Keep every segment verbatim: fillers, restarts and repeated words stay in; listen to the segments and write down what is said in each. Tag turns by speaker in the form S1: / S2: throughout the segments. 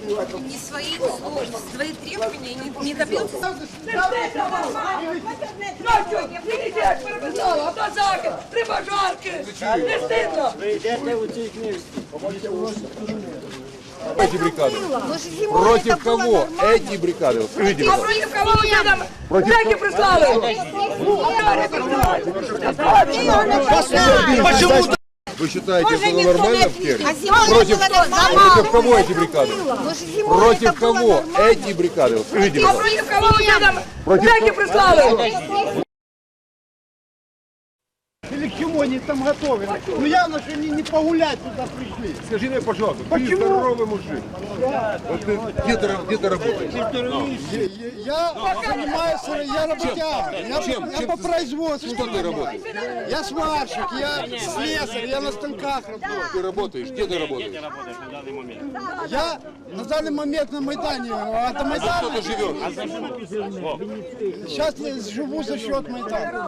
S1: не свои, свои требования не, не добился.
S2: Эти бригады. Против кого эти бригады? Скажите,
S1: А против кого вы там бляки прислали?
S2: Почему? Вы считаете, это нормально в Керчи? Против, против кого эти бригады? Против кого эти бригады? Скажите,
S1: А против кого вы там бляки прислали?
S3: Или к чему они там готовы? Ну явно, что они не погулять туда пришли.
S2: скажи мне, пожалуйста, ты здоровый мужик. Вот ты где ты, где ты работаешь?
S3: Я занимаюсь, я работяга. Я,
S2: Чем?
S3: я
S2: Чем
S3: по
S2: ты-
S3: производству.
S2: Что ты работаешь?
S3: Я сварщик, я слесарь, я на станках работаю.
S2: Ты работаешь? Где ты работаешь?
S3: Я на данный момент на Майдане. А до
S2: Что
S3: Майдана
S2: ты живешь?
S3: сейчас я живу за счет Майдана.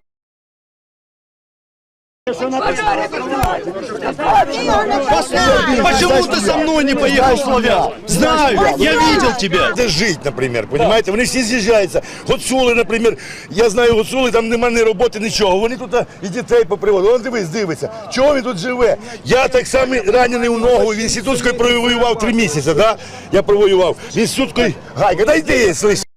S4: Почему ты со мной не поехал в Славянск? Знаю, я видел тебя.
S5: Де жить, наприклад, розумієте? Вони всі з'їжджаються. Гуцули, наприклад, я знаю гуцули, там немає ні роботи, нічого. Вони тут і дітей поприводили. Вон дивись, дивиться. Чого він тут живе? Я так само ранений у ногу, в інститутської провоював три місяці, да? Я провоював. В інститутської гайка, дай йди, слиш.